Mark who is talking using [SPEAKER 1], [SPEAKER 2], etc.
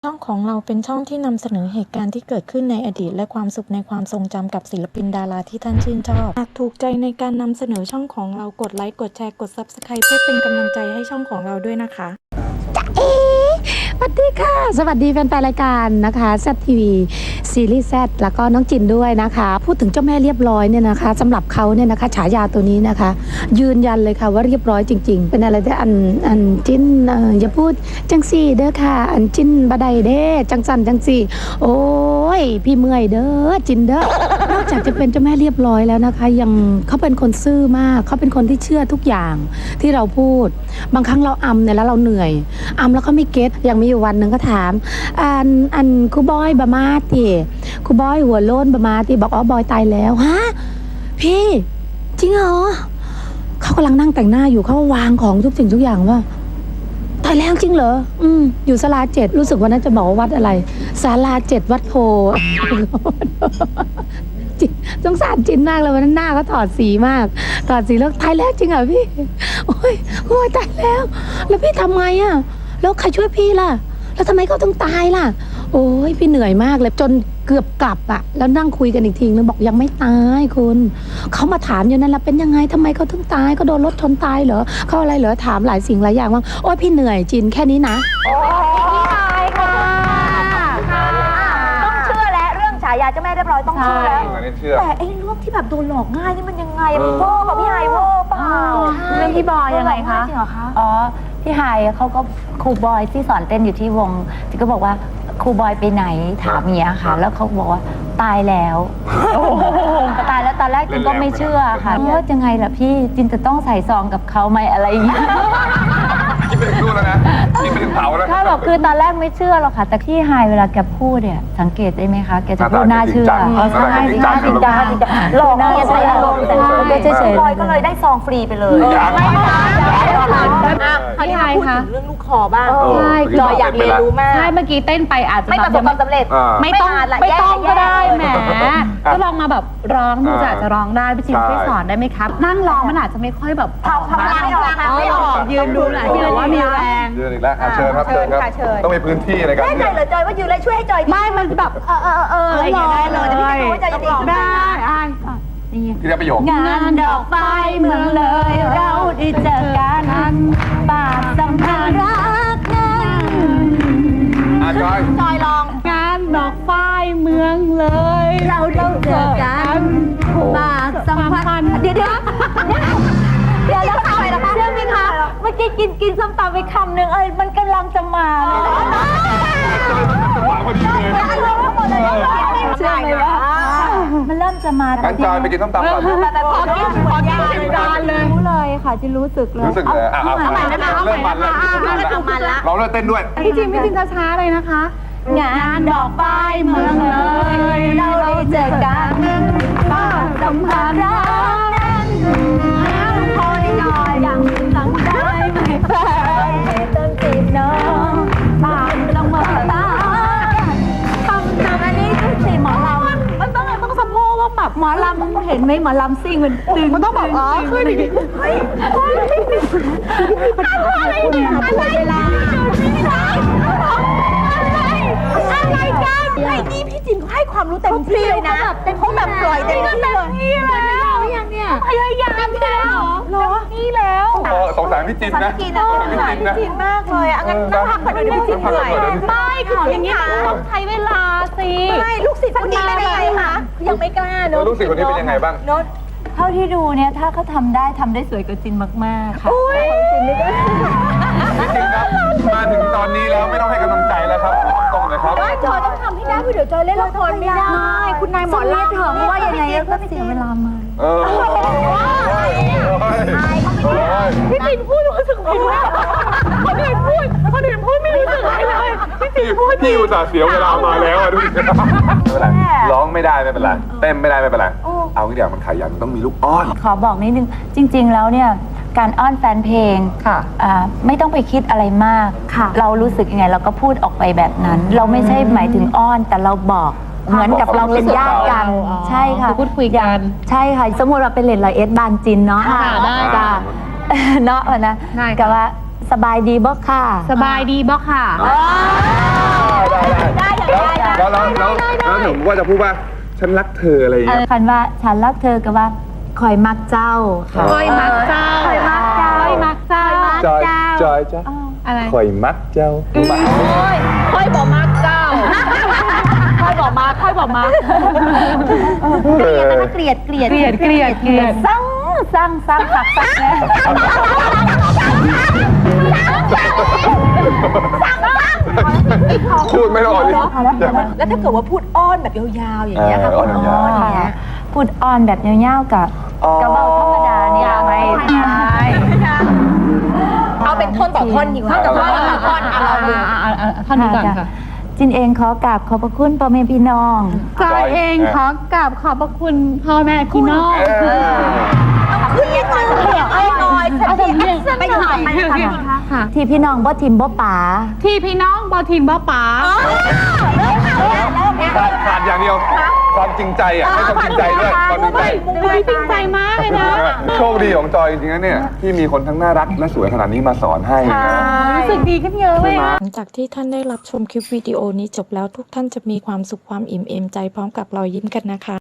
[SPEAKER 1] ช่องของเราเป็นช่องที่นำเสนอเหตุการณ์ที่เกิดขึ้นในอดีตและความสุขในความทรงจำกับศิลปินดาราที่ท่านชื่นชอบหากถูกใจในการนำเสนอช่องของเรากดไลค์กดแชร์กด Subscribe เพื่อเป็นกำลังใจให้ช่องของเราด้วยนะคะ
[SPEAKER 2] สวัสดีค่ะสวัสดีแฟนๆรายการนะคะแซดทีวีซีรีส์แซดแล้วก็น้องจินด้วยนะคะพูดถึงเจ้าแม่เรียบร้อยเนี่ยนะคะสำหรับเขาเนี่ยนะคะฉายาตัวนี้นะคะยืนยันเลยค่ะว่าเรียบร้อยจริงๆเป็นอะไรที่อันจินอย่าพูดจังสี่เด้อค่ะอันจินบะไดเด้จังสันจังสี่โอ้ยพี่เมื่อยเด้อจินเด้อนอกจากจะเป็นเจ้าแม่เรียบร้อยแล้วนะคะยังเขาเป็นคนซื่อมากเขาเป็นคนที่เชื่อทุกอย่างที่เราพูดบางครั้งเราอำเนี่ยแล้วเราเหนื่อยอำแล้วเขาไม่เก็ตยังมีอยู่วันหนึ่งก็ถามอันครูบอยบามาติครูบอยหัวโล้นบามาติบอกอ๋อบอยตายแล้วฮะพี่จริงเหรอเขากำลังนั่งแต่งหน้าอยู่เขาวางของทุกสิ่งทุกอย่างว่าตายแล้วจริงเหรออยู่ศาลา7รู้สึกว่านั้นจะบอกว่าวัดอะไรศาลา7วัดโพสงสารจินมากเลยวันนั้นหน้าเขาถอดสีมากถอดสีแล้วตายแล้วจริงเหรอพี่โอ้ยตายแล้วพี่ทำไงอะแล้วใครช่วยพี่ล่ะแล้วทำไมเขาต้องตายล่ะโอ้ยพี่เหนื่อยมากเลยจนเกือบกลับอะแล้วนั่งคุยกันอีกทีนึงบอกยังไม่ตายคุณเขามาถามอยู่นั่นแหละเป็นยังไงทำไมเขาถึงตายเขาโดนรถชนตายเหรอเขาอะไรเหรอถามหลายสิ่งหลายอย่างว่าโอ้ยพี่เหนื่อยจินแค่นี้นะ
[SPEAKER 3] พี่ไฮค่ะต้องเชื่อแล้วเรื่องฉายาเจ้าแม่เรียบร้อยต้องเชื่อแล้วแต่ไอ้เรื่องที่แบบโดนหลอกง่ายนี่มันยังไงมันโง่กับพี่ไฮโง่เปล่าเรื่องพี่บอยยังไงคะจริงเหรอคะ
[SPEAKER 4] อ๋อพี่ไฮเขาก็ครูบอยที่สอนเต้นอยู่ที่วงที่ก็บอกว่าครูบอยไปไหนถามเมียค่ะแล้วเขาบอกว่าตายแล้วตายแล้วตอนแรกจินก็ไม่เชื่อค่ะว่ายังไงล่ะพี่จินจะต้องใส่ซองกับเขาไหมอะไรอย่างเงี้ย
[SPEAKER 5] คิดไปถึงนู่นแล้วนะคิดไปถึงเผาแล้ว
[SPEAKER 4] ค่ะบอกคือตอนแรกไม่เชื่อหรอกค่ะแต่พี่ไฮเวลาแกพูดเนี่ยสังเกตได้ไหมคะแกจะพูดน่าเชื่อ
[SPEAKER 3] ใช่จริงจังหลอกเมียใช้อารมณ์แต่ก็เฉยๆบอยก็เลยได้ซองฟรีไปเลยไม่
[SPEAKER 2] พี่ไฮคะ
[SPEAKER 3] เรื่องลูกคอบ้าง
[SPEAKER 2] ใช่
[SPEAKER 3] จอยอยากเรียนรู้มาก
[SPEAKER 2] ใช่เมื่อกี้เต้นไปอาจจะ
[SPEAKER 3] ไม่ประสบความสำเร็จ
[SPEAKER 2] ไม่ต้องก็ได้แหมก็ลองมาแบบร้องดูอาจจะร้องได้พี่จินช่วยสอนได้ไหมครับนั่งร้องมันอาจจะไม่ค่อยแบบ
[SPEAKER 3] ทำไม่ออก
[SPEAKER 2] ยืนดูแหละยืนว่ามีแรง
[SPEAKER 5] ยืนอีกแล้วเชิญครับต้องมีพื้นที่ในการ
[SPEAKER 3] แน่ใจเหรอจอยว่ายืนแล้วช่วยให้จอย
[SPEAKER 2] ไม่มันแบบ
[SPEAKER 3] อะไรอย่างเงี้ยได้เลยแต่พี่ไม่รู้ว่าจอยจะดี
[SPEAKER 2] ได้
[SPEAKER 5] ที่ได้ประโยค
[SPEAKER 4] งานดอกไฟเมืองเลยเราได้เจอกันปากสัมพันธ์รักนั้น
[SPEAKER 5] จอย
[SPEAKER 3] ลอง
[SPEAKER 2] งานดอกไฟเมืองเลย
[SPEAKER 4] เราได้เจอกันปากสัมพันธ์เดี๋ยวแล้วค่ะเชื่อไหมคะเมื่อกี้กินส้มตำไปคำหนึ่งมันกำลังจะมาเชื่อไหมว่ามันเริ่มจะมา
[SPEAKER 5] งั้นจอยไปกินส้มตำก่อน
[SPEAKER 3] แต่พอกิน
[SPEAKER 2] จานเลย
[SPEAKER 4] รู้เลยค่ะจะรู้สึกเลย
[SPEAKER 5] รู้สึกเลยเริ่มมันแล้วเราเริ่มเต้นด้วย
[SPEAKER 2] พี่จิมช้าๆเลยนะคะ
[SPEAKER 4] งานดอกไฟเมืองเลยเราได้เจอกันป้าสัมพันธ์รักนั้นคอยหน่อยยังตั้งใจไม่ไปต้นจีบน้องป้าต้องมาตาทำอันนี้คือสีหมอลำมันต้องสะโพกว่าแบบหมอลำเห็นไหมหมอลำซิ่งมันตึง
[SPEAKER 2] มันต้องแบบขึ้นอย่างนี้
[SPEAKER 3] อะไรเนี่ยอะไรเวลาอะไรกันไอ้นี่พี่จินให้ความรู้เต็มที่เลยนะเขาแบบปล่อยเต็มที่เลย
[SPEAKER 2] อย่างเนี้ย
[SPEAKER 3] พยายามแล้วเหรอนี่แล้ว
[SPEAKER 5] สงสารพี่จินนะ
[SPEAKER 3] สงสารพี่จินมากเลยงั้นต้องพักคนอื่นพี่จินเหนื่อย
[SPEAKER 2] ไม่ของอย่างนี้ต้องใช้เวลาสิ
[SPEAKER 3] ไม่ลูกศิษย์คนนี้เป็นยังไงคะยังไม่กล้าเนอะ
[SPEAKER 5] ลูกศิษย์คนนี้เป็นยังไงบ้าง
[SPEAKER 4] เท่าที่ดูเนี่ยถ้าเขาทำได้สวยกว่าจินมากๆค่ะ
[SPEAKER 5] จริงครับมาถึงตอนนี้แล้วไม่ต้องให้กำลังใจแล้วครับตรงเลยครับ
[SPEAKER 3] จอยต้องทำให้ได้เดี๋ยวจอยเล่นละครไม่ได้คุณนายหมอลำเถอะว่ายังไงก็เสียเวลามาพี่จินพูดรู้สึกผิดนะคนอื่นพูดไม่รู้สึกอะไรเลยพี่จินพูด
[SPEAKER 5] พี่อุตส่าห์เสียเวลามาแล้วดูดิไม่เป็นไรร้องไม่ได้ไม่เป็นไรเต้นไม่ได้ไม่เป็นไรเอางี้เดี๋ยวมันขยันต้องมีลูกอ้อน
[SPEAKER 4] ขอบอกนิดนึงจริงๆแล้วเนี่ยการอ้อนแฟนเพลงค่ะไม่ต้องไปคิดอะไรมากเรารู้สึกยังไงเราก็พูดออกไปแบบนั้นเราไม่ใช่หมายถึงอ้อนแต่เราบอกเหมือนกับเราเป็นญาติกันใช่ค่ะ
[SPEAKER 2] พูดคุยกัน
[SPEAKER 4] ใช่ค่ะสมมติเราเป็นเลน100 บานจินเนาะ
[SPEAKER 2] ได้
[SPEAKER 4] จ้ะเนาะนะกับว่าสบายดีบ่ค่ะ
[SPEAKER 2] สบายดีบ่ค่ะ
[SPEAKER 5] ได้แล้วหนูว่าจะพูดว่าฉันรักเธออะไรอย่างเงี้ย
[SPEAKER 3] คันว่าฉันรักเธอกับว่าคอยมักเจ้าค่ะ
[SPEAKER 4] คอยมักเจ้า
[SPEAKER 3] คอยมักเจ้า
[SPEAKER 4] คอยมักเจ้า
[SPEAKER 5] จอยจ้ะ
[SPEAKER 4] อะไร
[SPEAKER 5] คอยมักเจ้ารู้ปะ
[SPEAKER 4] คอยบอกมักเจ้าคอยบอกมัก
[SPEAKER 3] เกลียด
[SPEAKER 4] เกลียด
[SPEAKER 3] สั่งหักสักแน่
[SPEAKER 5] พูดไม่ออกดิ
[SPEAKER 6] แล้วถ้าเกิดว่าพูดอ้อนแบบยาวๆอย่างเงี้ยค่ะ
[SPEAKER 5] อ้อนยาว
[SPEAKER 6] อย่างเงี้ย
[SPEAKER 3] พูดอ่อนแบบเงี้ยวๆกับกระเบ้าธรรมดาเนี่ยไม่ใช่
[SPEAKER 6] เอาเป็นท่อนต่อท่อนดีกว่าท่อนต่อท่อนเราดู
[SPEAKER 4] ท่านนี้ก่อนค่ะ
[SPEAKER 3] จินเองขอกราบขอบพระคุณพ่อแม่พี่น้อง
[SPEAKER 4] จอยเองขอกราบขอบพระคุณพ่อแม่พี่น้อง
[SPEAKER 6] ขึ้นเรียกหน่อยเสียงไอ้หน่อยฉันเสียงไปหน่อย
[SPEAKER 4] ค่ะ
[SPEAKER 3] ที่พี่น้องบ่ทิมบ่ป๋า
[SPEAKER 4] ที่พี่น้องบอทีมบอป๋า
[SPEAKER 5] ขาดอย่างเดียวความจริงใจอ่ะให้ความจริงใจด้วยความจริงใจ
[SPEAKER 4] คุยจริงใจมากเลยนะ
[SPEAKER 5] โชคดีของจอยจริงๆนะเนี่ยที่มีคนทั้งน่ารักและสวยขนาดนี้มาสอนให้นะ
[SPEAKER 4] รู้สึกดีขึ้นเยอะเลยอะ
[SPEAKER 1] หลังจากที่ท่านได้รับชมคลิปวิดีโอนี้จบแล้วทุกท่านจะมีความสุขความอิ่มเอมใจพร้อมกับรอยยิ้มกันนะคะ